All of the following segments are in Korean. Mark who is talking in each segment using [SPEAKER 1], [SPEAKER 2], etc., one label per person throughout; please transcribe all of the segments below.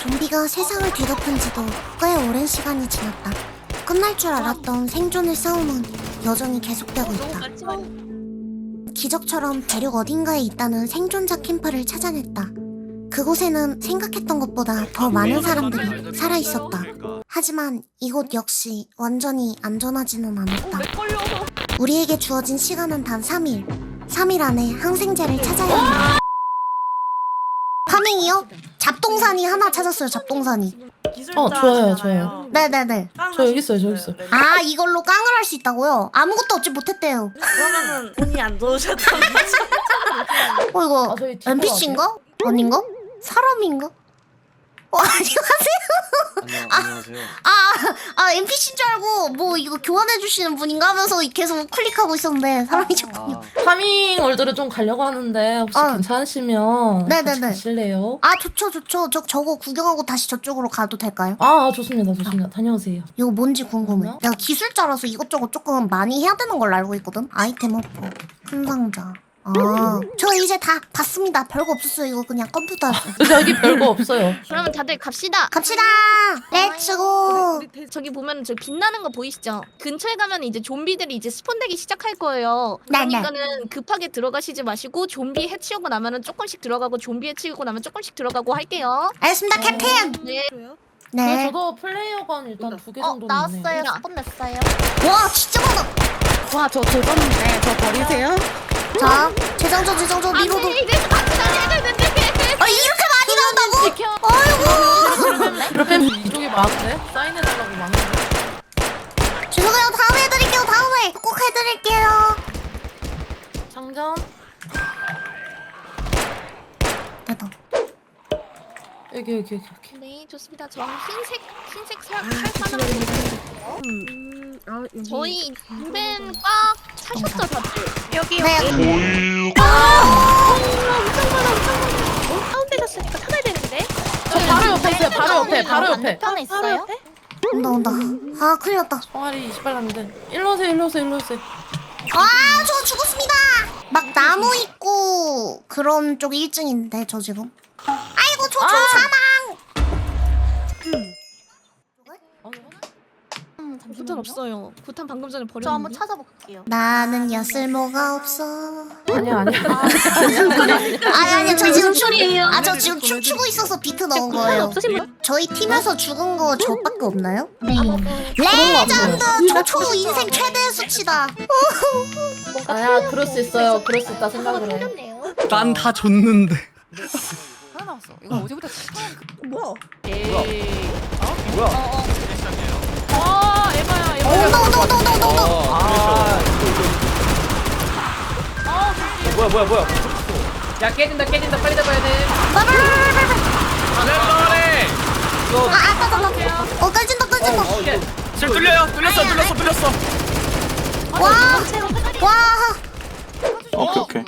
[SPEAKER 1] 좀비가 세상을 뒤덮은 지도 꽤 오랜 시간이 지났다. 끝날 줄 알았던 생존의 싸움은 여전히 계속되고 있다. 기적처럼 대륙 어딘가에 있다는 생존자 캠프를 찾아냈다. 그곳에는 생각했던 것보다 더 많은 사람들이 살아있었다. 하지만 이곳 역시 완전히 안전하지는 않았다. 우리에게 주어진 시간은 단 3일. 3일 안에 항생제를 찾아야 한다. 파밍이요? 잡동사니 하나 찾았어요, 잡동사니.
[SPEAKER 2] 좋아요.
[SPEAKER 1] 네네네.
[SPEAKER 2] 저 여기 있어요, 저기 있어요.
[SPEAKER 1] 아, 이걸로 깡을 할 수 있다고요? 아무것도 얻지 못했대요.
[SPEAKER 3] 그러면은 돈이 안 좋으셨던 거죠?
[SPEAKER 1] 이거
[SPEAKER 2] 저희 뒷거
[SPEAKER 1] NPC인가? 아닌가? 사람인가? 안녕하세요.
[SPEAKER 4] 안녕하세요.
[SPEAKER 1] NPC인 줄 알고 뭐 이거 교환해주시는 분인가 하면서 계속 클릭하고 있었는데 사람이셨군요.
[SPEAKER 2] 파밍 월드를 좀 가려고 하는데 혹시 괜찮으시면
[SPEAKER 1] 네네네.
[SPEAKER 2] 같이 가실래요?
[SPEAKER 1] 아, 좋죠. 저거 구경하고 다시 저쪽으로 가도 될까요?
[SPEAKER 2] 좋습니다. 다녀오세요.
[SPEAKER 1] 이거 뭔지 궁금해.
[SPEAKER 2] 뭐야?
[SPEAKER 1] 내가 기술자라서 이것저것 조금 많이 해야 되는 걸로 알고 있거든. 아이템 업보, 큰 상자. 저 이제 다 봤습니다. 별거 없었어요. 이거 그냥 컴퓨터.
[SPEAKER 2] 여기 별거 없어요.
[SPEAKER 5] 그러면 다들 갑시다.
[SPEAKER 1] 갑시다. 렛츠고.
[SPEAKER 5] 저기 보면 저 빛나는 거 보이시죠? 근처에 가면 이제 좀비들이 이제 스폰되기 시작할 거예요.
[SPEAKER 1] 네네.
[SPEAKER 5] 그러니까는 급하게 들어가시지 마시고 좀비 해치우고 나면은 조금씩 들어가고 좀비 해치우고 나면 조금씩 들어가고 할게요.
[SPEAKER 1] 알겠습니다, 캡틴.
[SPEAKER 5] 네.
[SPEAKER 1] 네.
[SPEAKER 2] 저도 플레이어건 일단 2개 정도는 있네요.
[SPEAKER 5] 나왔어요.
[SPEAKER 1] 스폰 냈어요. 와, 진짜 많아.
[SPEAKER 3] 와, 저 조졌는데 저 버리세요?
[SPEAKER 1] 자, 재장전 미로도.
[SPEAKER 5] 이제 같이 되는데.
[SPEAKER 1] 이렇게 많이 나온다고?
[SPEAKER 2] 지켜.
[SPEAKER 1] 아이고.
[SPEAKER 2] 그러면 이쪽이 많은데? 사인해달라고 많은데?
[SPEAKER 1] 죄송해요. 다음에 해드릴게요. 다음에 꼭 해드릴게요.
[SPEAKER 2] 장전.
[SPEAKER 1] 됐다.
[SPEAKER 2] 여기.
[SPEAKER 5] 네, 좋습니다. 저 흰색 살만한 저희 인벤 꽉 차셨죠, 다들?
[SPEAKER 3] 여기
[SPEAKER 1] 네.
[SPEAKER 5] 엄청 많아. 다운되셨으니까 찾아야 되는데.
[SPEAKER 2] 저 바로 옆에 있어요. 바로 옆에.
[SPEAKER 5] 편에 있어요?
[SPEAKER 1] 온다. 아, 큰일 났다.
[SPEAKER 2] 총알이 28남인데. 일로 오세요.
[SPEAKER 1] 저 죽었습니다. 막 나무 있고 그런 쪽 1층인데 저 지금. 아이고, 저 사망.
[SPEAKER 5] 구탄 없어요. 구탄 방금 전에 버렸는데.
[SPEAKER 1] 저 한번 찾아볼게요. 나는 쓸모가 없어.
[SPEAKER 2] 아니야.
[SPEAKER 1] 아니, 저 지금
[SPEAKER 5] 소리예요.
[SPEAKER 1] 저 지금 춤추고 있어서 비트 넣은 거예요. 저희 팀에서 죽은 거 저밖에 없나요? 네. 레전드! 저 초 인생 최대의 수치다.
[SPEAKER 2] 아야, 그럴 수 있어요. 그럴 수 있다 생각을 해.
[SPEAKER 4] 난 다 줬는데.
[SPEAKER 6] 하나 남았어. 이거 어제부터
[SPEAKER 3] 뭐야?
[SPEAKER 4] 뭐야?
[SPEAKER 1] 온다.
[SPEAKER 4] 뭐야?
[SPEAKER 2] 야, 깨진다. 빨리 잡아야 돼.
[SPEAKER 4] 잘해.
[SPEAKER 1] 꺼진다.
[SPEAKER 4] 지금 뚫렸어.
[SPEAKER 1] 와.
[SPEAKER 4] 오케이.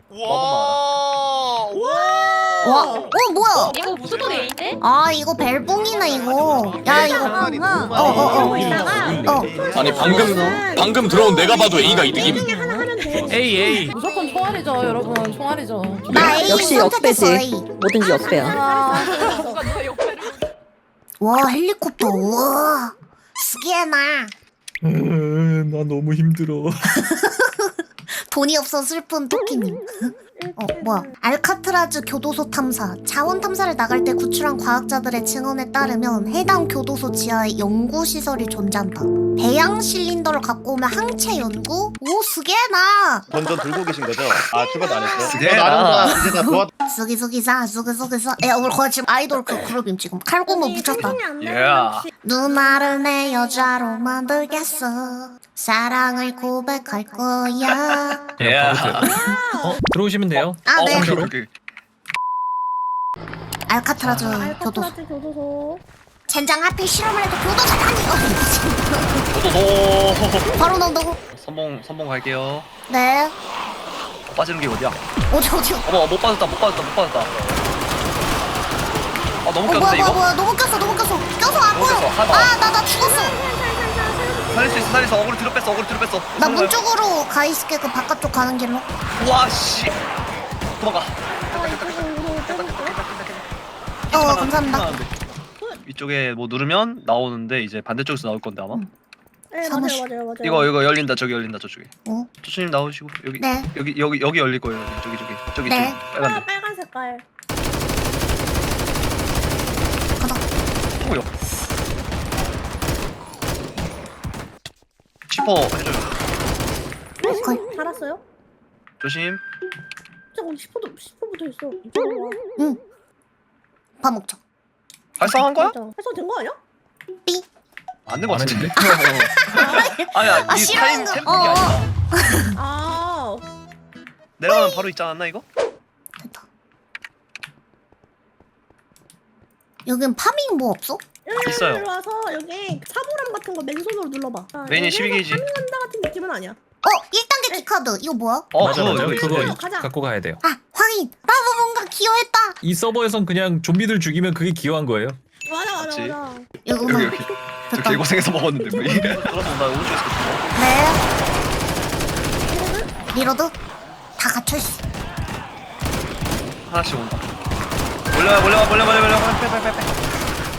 [SPEAKER 1] 뭐야?
[SPEAKER 5] 이거 무슨 소리인데?
[SPEAKER 1] 아, 이거 벨붕이네, 이거. 야, 이거.
[SPEAKER 4] 아니 방금 들어온 내가 봐도 A가 이득임. A.
[SPEAKER 2] 무조건 총알이죠, 여러분. 총알이죠.
[SPEAKER 1] 나 A
[SPEAKER 3] 역시
[SPEAKER 1] 선택했어,
[SPEAKER 3] 역배지.
[SPEAKER 1] A.
[SPEAKER 3] 뭐든지 역배야.
[SPEAKER 1] 와, 헬리콥터. 우와. 스게나.
[SPEAKER 4] 나 너무 힘들어.
[SPEAKER 1] 돈이 없어 슬픈 토끼님. 뭐야? 알카트라즈 교도소 탐사. 자원 탐사를 나갈 때 구출한 과학자들의 증언에 따르면 해당 교도소 지하에 연구 시설이 존재한다. 배양 실린더를 갖고 오면 항체 연구? 오, 스게나.
[SPEAKER 7] 먼저 들고 계신 거죠? 아, 출발도 안 했어?
[SPEAKER 4] 네.
[SPEAKER 7] 나름 이제 다 도와.
[SPEAKER 1] 쓰기쓰기사. 우리 거의 지금 아이돌 그 그룹임 지금. 칼군무 묻혔다. 누나를 내 여자로 만들겠어. 사랑을 고백할 거야.
[SPEAKER 4] 들어오시면 돼요.
[SPEAKER 1] 아, 네.
[SPEAKER 4] 오케이.
[SPEAKER 1] 알카트라즈 교도소. 젠장 하필 실험을 해도 교도소라니. 바로 넣는다고?
[SPEAKER 4] 선봉 갈게요.
[SPEAKER 1] 네.
[SPEAKER 4] 빠지는 게 어디야?
[SPEAKER 1] 어디요?
[SPEAKER 4] 어머 못 빠졌다. 아 너무 꼈는데 이거?
[SPEAKER 1] 뭐야. 너무 꼈어. 껴서 안 보여.
[SPEAKER 4] 꼈어. 하나.
[SPEAKER 1] 나 죽었어.
[SPEAKER 4] 살릴 수 있어. 어그로 뒤로 뺐어.
[SPEAKER 1] 나 문 쪽으로 가 있을게. 그 바깥쪽 가는 길로.
[SPEAKER 4] 와 씨. 도망가.
[SPEAKER 1] 감사합니다.
[SPEAKER 4] 하는데.
[SPEAKER 8] 이쪽에 뭐 누르면 나오는데 이제 반대쪽에서 나올 건데 아마.
[SPEAKER 3] 네
[SPEAKER 1] 사무실.
[SPEAKER 3] 맞아요.
[SPEAKER 8] 이거 열린다. 저기 열린다. 저쪽에.
[SPEAKER 1] 어?
[SPEAKER 8] 조수님 나오시고 여기
[SPEAKER 1] 네.
[SPEAKER 8] 여기 열릴 거예요. 저기
[SPEAKER 1] 네.
[SPEAKER 8] 빨간 데.
[SPEAKER 3] 빨간 색깔.
[SPEAKER 8] 오요. 치퍼 해줘요.
[SPEAKER 1] 오케이.
[SPEAKER 3] 달았어요?
[SPEAKER 8] 조심.
[SPEAKER 3] 저거 10호도 10호부터 있어. 이쪽으로 와.
[SPEAKER 1] 밥 먹자.
[SPEAKER 8] 발사한 거야?
[SPEAKER 3] 해서 된 거 아니야?
[SPEAKER 1] 삐.
[SPEAKER 8] 안 된 거
[SPEAKER 4] 안
[SPEAKER 8] 같은데.
[SPEAKER 4] 했는데?
[SPEAKER 8] 아니야.
[SPEAKER 1] 아,
[SPEAKER 8] 이
[SPEAKER 1] 싫어하는
[SPEAKER 8] 타임
[SPEAKER 1] 거.
[SPEAKER 8] 템플이 아니야.
[SPEAKER 3] 아.
[SPEAKER 8] 내려가면 바로 있지 않았나 이거?
[SPEAKER 1] 됐다. 여긴 파밍 뭐 없어?
[SPEAKER 8] 있어요.
[SPEAKER 3] 일로 와서 여기 사물함 같은 거 맨손으로 눌러봐.
[SPEAKER 8] 메인이
[SPEAKER 3] 여기서
[SPEAKER 8] 12게이지.
[SPEAKER 3] 파밍한다 같은 느낌은 아니야.
[SPEAKER 1] 1단계 키카드. 이거 뭐야?
[SPEAKER 4] 맞아
[SPEAKER 8] 그거
[SPEAKER 4] 맞아.
[SPEAKER 8] 이거
[SPEAKER 4] 그거
[SPEAKER 8] 있어요.
[SPEAKER 3] 가자.
[SPEAKER 4] 갖고 가야 돼요.
[SPEAKER 1] 아, 확인. 나도 뭔가 기여했다.
[SPEAKER 4] 이 서버에선 그냥 좀비들 죽이면 그게 기여한 거예요.
[SPEAKER 3] 맞아.
[SPEAKER 1] 이거구나.
[SPEAKER 8] 여기. 저
[SPEAKER 1] 됐다.
[SPEAKER 8] 개고생해서 먹었는데 뭐 이게. 그럼 나 오른쪽에서 겠다.
[SPEAKER 1] 네. 리로드. 다 갇혀있어.
[SPEAKER 8] 하나씩 온다. 몰려와. 빼.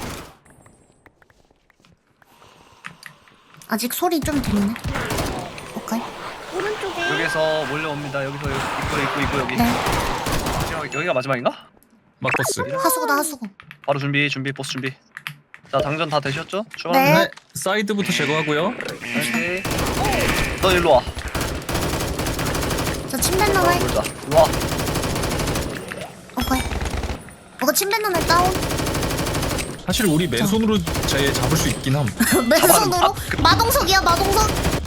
[SPEAKER 1] 아직 소리 좀 들리네. 오케이.
[SPEAKER 3] 오른쪽에.
[SPEAKER 8] 여기서 몰려옵니다. 여기서 입구 여기.
[SPEAKER 1] 네.
[SPEAKER 8] 여기가 마지막인가?
[SPEAKER 4] 막버스.
[SPEAKER 1] 하수구다, 하수구.
[SPEAKER 8] 바로 준비 보스 준비. 자 당전 다 되셨죠?
[SPEAKER 1] 네.
[SPEAKER 8] 출발합니다.
[SPEAKER 4] 네. 사이드부터 제거하고요.
[SPEAKER 8] 오케이. 너 일로 와.
[SPEAKER 1] 저 침뱉는 애.
[SPEAKER 8] 놀자. 일로 와.
[SPEAKER 1] 오케이. 이거 침뱉는 애 다운.
[SPEAKER 4] 사실 우리 맨손으로 쟤 잡을 수 있긴 함.
[SPEAKER 1] 맨손으로? 마동석이야, 마동석.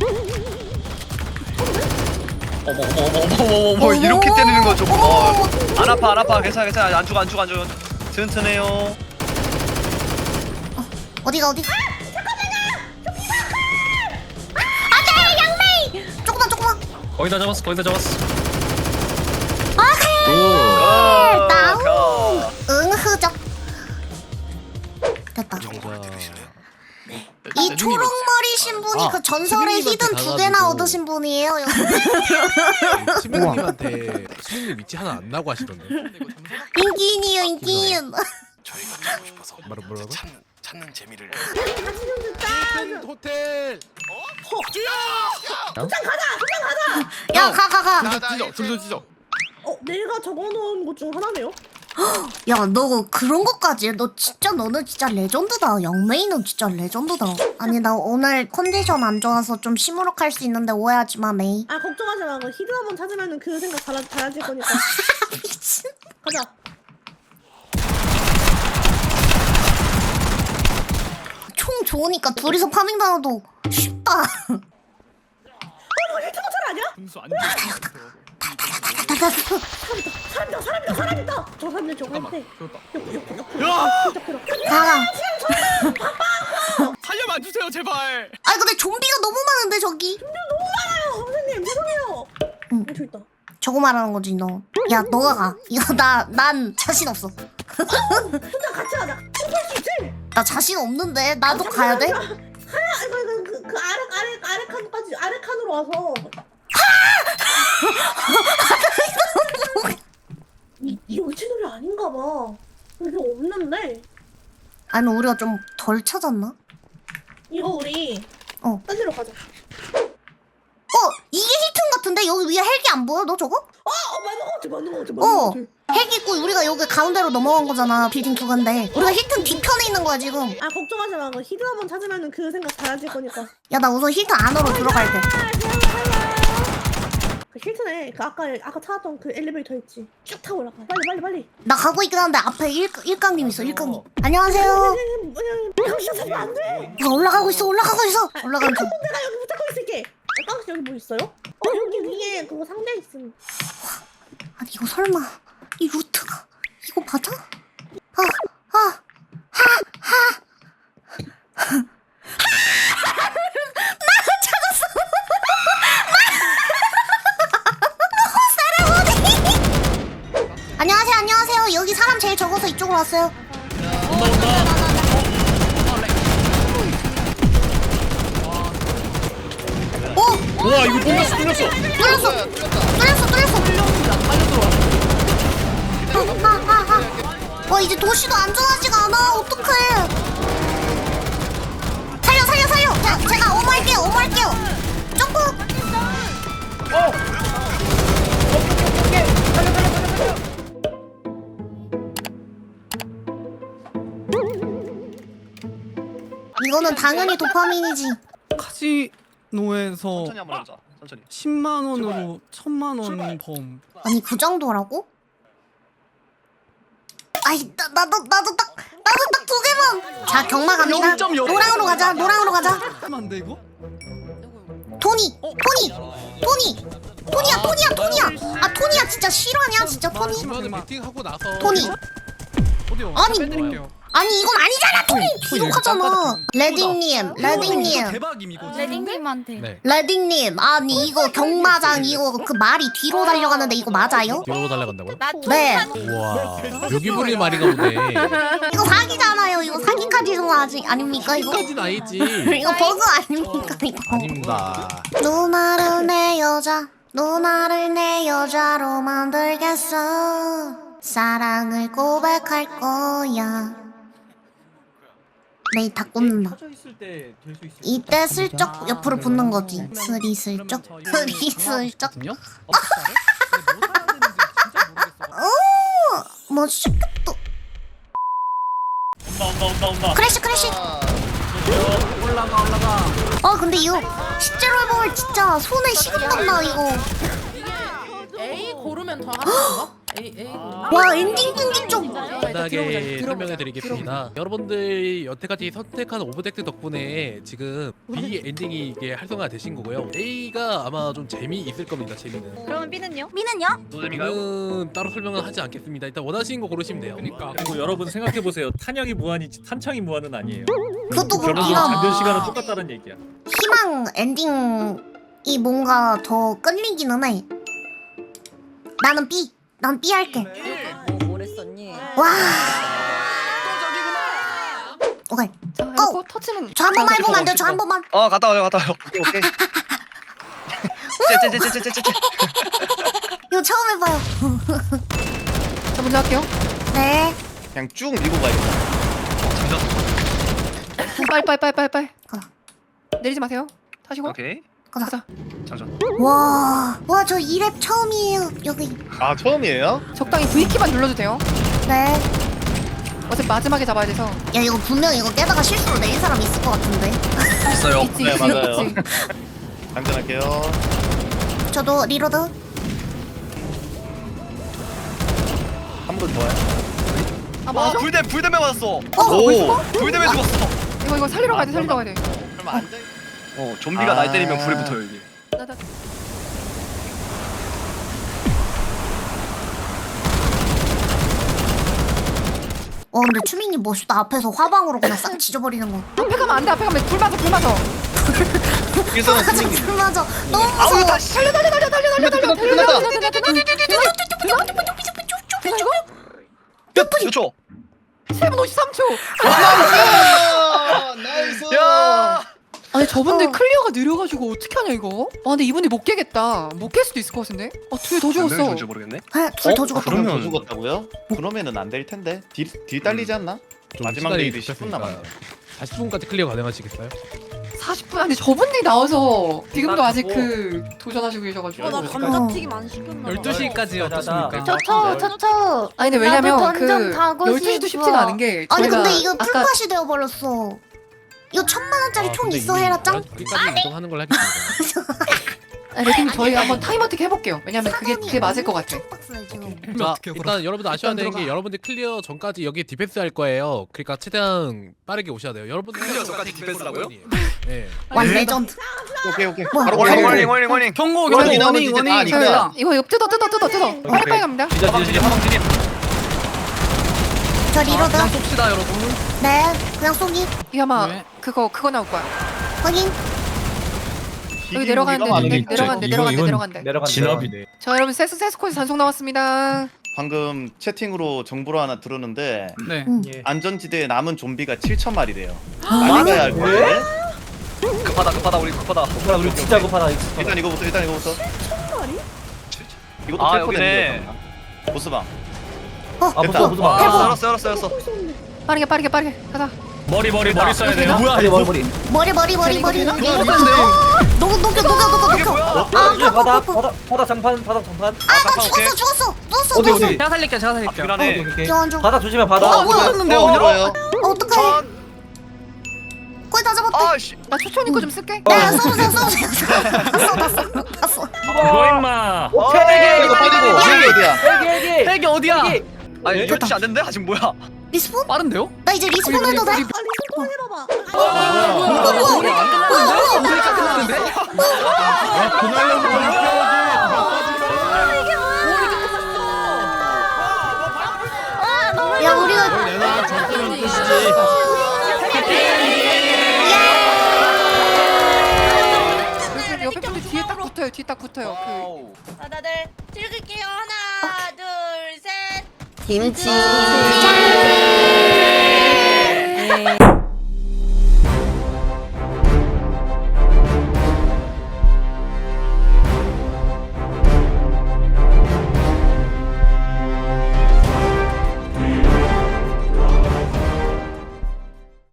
[SPEAKER 8] 어머 이렇게 때리는 거 좀. 안 아파. 괜찮아. 안 죽어. 튼튼해요.
[SPEAKER 1] 어디가? 안돼, 양메이. 조금만.
[SPEAKER 4] 거의 다 잡았어.
[SPEAKER 1] 오케이. 다운.
[SPEAKER 8] 가.
[SPEAKER 1] 응흐적. 됐다. 이 초록머리신 분이 그 전설의 히든 2개나 얻으신 분이에요.
[SPEAKER 9] 수명님한테 수명님 위치 하나 안 나고 하시던데.
[SPEAKER 1] 인기인이요.
[SPEAKER 9] 저희가 찾고 싶어서 뭐라고?
[SPEAKER 7] 찾는 재미를.
[SPEAKER 9] 호텔.
[SPEAKER 1] 야, 가.
[SPEAKER 9] 둘도 찢어.
[SPEAKER 3] 내가 적어놓은 것 중 하나네요.
[SPEAKER 1] 야, 너 그런 것까지 해? 너는 진짜 레전드다. 영메이는 진짜 레전드다. 아니, 나 오늘 컨디션 안 좋아서 좀 시무룩할 수 있는데 오해하지 마, 메이.
[SPEAKER 3] 아 걱정하지 마. 히드 한번 찾으면은 그 생각 달라질 거니까.
[SPEAKER 1] 미친.
[SPEAKER 3] 가자.
[SPEAKER 1] 총 좋으니까 둘이서 파밍 당해도 쉽다.
[SPEAKER 3] 이거 히트 모텔 아니야?
[SPEAKER 9] 분수 안
[SPEAKER 3] 사람 있다. 저 사람들 저거 할 때.
[SPEAKER 1] 가가.
[SPEAKER 9] 살려만 주세요 제발.
[SPEAKER 1] 아니, 근데 좀비가 너무 많은데, 저기.
[SPEAKER 3] 선생님 죄송해요.
[SPEAKER 1] 응.
[SPEAKER 3] 저 있다.
[SPEAKER 1] 저거 말하는 거지, 너. 야, 너가 가. 이거 난 자신 없어.
[SPEAKER 3] 혼자 같이 가자. 할수 있지?
[SPEAKER 1] 나 자신 없는데. 나도 가야 돼?
[SPEAKER 3] 이거 그 아래 칸까지 아래 칸으로 와서. 여기 채널이 아닌가 봐. 여기 없는데.
[SPEAKER 1] 아니, 우리가 좀 덜 찾았나?
[SPEAKER 3] 이거 우리 딴 데로 가자.
[SPEAKER 1] 이게 힐튼 같은데? 여기 위에 헬기 안 보여? 너 저거?
[SPEAKER 3] 맞는 거 같아.
[SPEAKER 1] 헬기 있고 우리가 여기 가운데로 넘어간 거잖아. 빌딩 두 간데. 우리가 힐튼 뒤편에 있는 거야, 지금.
[SPEAKER 3] 아 걱정하지 마. 히드 한번 찾으면은 그 생각 달라질 거니까.
[SPEAKER 1] 야, 나 우선 힐튼 안으로 들어갈 때.
[SPEAKER 3] 그 힐튼에 그 아까 찾았던 그 엘리베이터 있지. 쭉 타고 올라가. 빨리.
[SPEAKER 1] 나 가고 있긴 한데 앞에 일강님 있어, 일강님. 안녕하세요.
[SPEAKER 3] 당신 찾으면 안 돼.
[SPEAKER 1] 야, 올라가고 있어. 올라가는 중.
[SPEAKER 3] 내가 여기 붙잡고 있을게. 깡씨 여기 뭐 있어요? 여기 위에 그거 상자 있음.
[SPEAKER 1] 아니, 이거 설마 이 루트가 이거 맞아? 안녕하세요. 여기 사람 제일 적어서 이쪽으로 왔어요.
[SPEAKER 4] 와 이거 뚫렸어.
[SPEAKER 1] 뚫렸어. 이제 도시도 안전하지가 않아. 어떡해. 이거는 당연히 도파민이지.
[SPEAKER 10] 카지노에서
[SPEAKER 8] 천천히 한번 해보자. 천천히.
[SPEAKER 10] 10만 원으로 1000만 원 범.
[SPEAKER 1] 아니 그 정도라고? 아이 나도 딱 두 개만. 자 경마 갑니다. 노랑으로 가자. 노랑으로 가자.
[SPEAKER 10] 하면 안 돼 이거?
[SPEAKER 1] 토니야. 아 토니야 진짜 실화냐 진짜 토니?
[SPEAKER 9] 이번에 미팅하고 나서
[SPEAKER 1] 토니.
[SPEAKER 10] 어디요?
[SPEAKER 1] 아니,
[SPEAKER 10] 빼드릴게요.
[SPEAKER 1] 아니 이건 아니잖아 토니. 비속하잖아. 레딩님.
[SPEAKER 10] 대박임 이거.
[SPEAKER 6] 레딩님한테.
[SPEAKER 9] 네
[SPEAKER 1] 레딩님 아니 이거 경마장 이거 그 말이 뒤로 달려가는데 이거 맞아요?
[SPEAKER 9] 뒤로 달려간다고요?
[SPEAKER 1] 네.
[SPEAKER 9] 우와 여기 부릴 말인가 보네.
[SPEAKER 1] 이거 사기잖아요. 이거 사기까지는 아직 아닙니까 이거?
[SPEAKER 9] 까진 아니지.
[SPEAKER 1] 이거 버그 아닙니까 이거?
[SPEAKER 9] 아닙니다.
[SPEAKER 1] 누나를 내 여자, 누나를 내 여자로 만들겠어. 사랑을 고백할 거야. 메이 다 꽂는다. 이때 슬쩍 옆으로 붙는 거지. 스리슬쩍, 스리슬쩍. 뭐 쉽겠다. 크래쉬. 올라가. 근데 이거 실제로 해보면 진짜 손에 식은땀나 이거.
[SPEAKER 2] A 고르면 더 하는 건가? A
[SPEAKER 1] 와 엔딩 끈기 좀.
[SPEAKER 9] 간단하게 설명해 드리겠습니다. 여러분들 여태까지 선택한 오브젝트 덕분에 지금 B 엔딩이 이게 활성화 되신 거고요. A가 아마 좀 재미있을 겁니다. 재미는.
[SPEAKER 6] 그러면 B는요?
[SPEAKER 8] 노잼인가요?
[SPEAKER 9] 저는 따로 설명은 하지 않겠습니다. 일단 원하시는 거 고르시면 돼요.
[SPEAKER 10] 그러니까.
[SPEAKER 11] 그리고 여러분 생각해 보세요. 탄약이 무한이지 탄창이 무한은 아니에요.
[SPEAKER 1] 그것도
[SPEAKER 11] 결혼
[SPEAKER 1] 그렇긴 함.
[SPEAKER 11] 장전 시간은 똑같다는 얘기야.
[SPEAKER 1] 희망 엔딩이 뭔가 더 끌리기는 해. 나는 B. 난 B 할게. 와. 오케이.
[SPEAKER 6] 자, 이거 터치는.
[SPEAKER 1] 저 한 번만 해보면 안 돼요? 저 한 번만.
[SPEAKER 8] 갔다 와요. 오케이. 쟤.
[SPEAKER 1] 이거 처음 해봐요.
[SPEAKER 6] 자, 먼저 할게요.
[SPEAKER 1] 네.
[SPEAKER 7] 그냥 쭉 밀고 가야겠다.
[SPEAKER 6] 빨리.
[SPEAKER 1] 가.
[SPEAKER 6] 내리지 마세요. 타시고.
[SPEAKER 8] 오케이.
[SPEAKER 1] 가자.
[SPEAKER 8] 장전.
[SPEAKER 1] 와, 저 2랩 처음이에요. 여기.
[SPEAKER 7] 아 처음이에요?
[SPEAKER 6] 적당히 V키만 눌러도 돼요.
[SPEAKER 1] 네.
[SPEAKER 6] 어차피 마지막에 잡아야 돼서.
[SPEAKER 1] 야, 이거 분명 이거 깨다가 실수로 내린 사람 있을 것 같은데.
[SPEAKER 8] 있어요.
[SPEAKER 6] 있지.
[SPEAKER 7] 네, 맞아요.
[SPEAKER 6] 있지.
[SPEAKER 7] 장전할게요.
[SPEAKER 1] 저도 리로드.
[SPEAKER 7] 한 번 좋아요.
[SPEAKER 6] 아, 맞아?
[SPEAKER 8] 불대매 맞았어.
[SPEAKER 7] 오.
[SPEAKER 8] 불대매 죽었어.
[SPEAKER 6] 이거 살리러 가야 돼.
[SPEAKER 7] 그럼 앉아.
[SPEAKER 8] 좀비가
[SPEAKER 7] 아.
[SPEAKER 8] 날 때리면 불이 붙어요 이게.
[SPEAKER 6] 나.
[SPEAKER 1] 근데 추민이 멋있다. 앞에서 화방으로 그냥 싹 지져버리는 거.
[SPEAKER 6] 앞에 가면 안 돼. 앞에 가면 불 맞아.
[SPEAKER 7] 여기서는 승리.
[SPEAKER 1] 맞아. 너무
[SPEAKER 8] 아우
[SPEAKER 1] 무서워.
[SPEAKER 8] 다시.
[SPEAKER 6] 달려.
[SPEAKER 7] 끝났다.
[SPEAKER 6] 되나 이거?
[SPEAKER 8] 몇 초?
[SPEAKER 6] 7분 53초.
[SPEAKER 7] 나이스.
[SPEAKER 8] 야.
[SPEAKER 6] 아니 저분들 클리어가 느려가지고 어떻게 하냐 이거? 근데 이분이 못 깨겠다. 못 깰 수도 있을 것 같은데? 둘이 더 죽었어.
[SPEAKER 8] 줄 모르겠네.
[SPEAKER 1] 둘 더 죽었다.
[SPEAKER 7] 그러면 더 죽었다고요? 그러면은 안 될 텐데. 딜 딸리지 않나?
[SPEAKER 9] 좀
[SPEAKER 7] 마지막
[SPEAKER 9] 시간이
[SPEAKER 7] 레이드 10분
[SPEAKER 9] 급했으니까.
[SPEAKER 7] 남았네.
[SPEAKER 9] 40분까지 클리어 가능하시겠어요?
[SPEAKER 6] 40분. 근데 저분들이 나와서 지금도 아직 그 도전하시고 계셔가지고.
[SPEAKER 3] 나 감자튀김 안 시켰나 봐.
[SPEAKER 10] 12시까지 어떻습니까?
[SPEAKER 5] 저.
[SPEAKER 6] 아니 근데 왜냐면
[SPEAKER 5] 나도
[SPEAKER 6] 그
[SPEAKER 5] 던전 가고
[SPEAKER 6] 12시도
[SPEAKER 5] 싶어.
[SPEAKER 6] 쉽지가 않은 게
[SPEAKER 1] 아니
[SPEAKER 6] 저희가
[SPEAKER 1] 근데 이거
[SPEAKER 6] 아까
[SPEAKER 1] 풀팟이 되어버렸어. 이거 1000만원짜리 총 있어 헤라짱?
[SPEAKER 9] 여기까지 이동하는 걸 하겠습니다.
[SPEAKER 6] 레딩 저희 한번 타임 어택 해볼게요. 왜냐면 그게 맞을 것 같아.
[SPEAKER 1] 박스네 지금.
[SPEAKER 9] 자, 일단 여러분들 아셔야 되는 게 여러분들 클리어 전까지 여기 디펜스 할 거예요. 그러니까 최대한 빠르게 오셔야 돼요. 여러분들
[SPEAKER 8] 클리어 전까지 디펜스라고요?
[SPEAKER 9] 네.
[SPEAKER 1] 완 레전드.
[SPEAKER 7] 오케이.
[SPEAKER 1] 뭐야,
[SPEAKER 7] 바로
[SPEAKER 1] 뭐야,
[SPEAKER 7] 걸려.
[SPEAKER 8] 워닝.
[SPEAKER 10] 경고
[SPEAKER 7] 워닝,
[SPEAKER 10] 워닝.
[SPEAKER 7] 워닝. 아,
[SPEAKER 6] 자, 이거 뜯어. 빨리 갑니다.
[SPEAKER 8] 화방 진입.
[SPEAKER 1] 저 리로드.
[SPEAKER 10] 그냥 쏩시다 여러분.
[SPEAKER 1] 네. 그냥 쏘기.
[SPEAKER 6] 이거 아마
[SPEAKER 10] 네.
[SPEAKER 6] 그거 나올 거야.
[SPEAKER 1] 확인.
[SPEAKER 6] 여기 내려가는데.
[SPEAKER 11] 진업이네.
[SPEAKER 6] 자 여러분 세스코에서 단속 나왔습니다.
[SPEAKER 7] 방금 채팅으로 정보를 하나 들었는데
[SPEAKER 10] 네.
[SPEAKER 7] 안전지대에 남은 좀비가 7,000마리래요. 많이 가야 할 거예요.
[SPEAKER 8] 급하다 우리 급하다.
[SPEAKER 11] 우리 진짜 급하다.
[SPEAKER 7] 일단 이거부터.
[SPEAKER 3] 7,000마리?
[SPEAKER 7] 이것도
[SPEAKER 8] 아,
[SPEAKER 7] 캘
[SPEAKER 8] 여기네.
[SPEAKER 7] 거네. 보스방.
[SPEAKER 11] 무서워.
[SPEAKER 8] 열었어.
[SPEAKER 6] 빠르게 가자.
[SPEAKER 11] 머리 써야 돼요.
[SPEAKER 10] 뭐야
[SPEAKER 1] 머리.
[SPEAKER 6] 이거
[SPEAKER 8] 뭐야?
[SPEAKER 11] 바닥 장판.
[SPEAKER 1] 나 죽었어.
[SPEAKER 8] 어디?
[SPEAKER 10] 제가 살릴게요.
[SPEAKER 8] 미안해.
[SPEAKER 1] 기원 좀.
[SPEAKER 11] 바닥 조심해.
[SPEAKER 1] 뭐야?
[SPEAKER 10] 했는데
[SPEAKER 7] 들어요.
[SPEAKER 1] 어떡해. 거의 다 잡았대.
[SPEAKER 8] 아씨.
[SPEAKER 6] 나 초초님 거 좀 쓸게.
[SPEAKER 1] 야 써보세요. 다 써.
[SPEAKER 11] 이거 임마.
[SPEAKER 7] 이거 빠지고 헬기 어디야?
[SPEAKER 10] 헬기 어디야?
[SPEAKER 8] 아니 12시 안 됐는데? 아직 뭐야?
[SPEAKER 1] 리스폰?
[SPEAKER 10] 빠른데요?
[SPEAKER 1] 나 이제 리스폰 해도 돼?
[SPEAKER 3] 아 리스폰 해봐봐.
[SPEAKER 1] 야 우리가
[SPEAKER 11] 내가 저때는 뜻이지.
[SPEAKER 6] 옆에 분들 뒤에 딱 붙어요. 뒤에 딱 붙어요.
[SPEAKER 3] 자 다들 찍을게요. 하나 둘 셋.
[SPEAKER 1] 김치.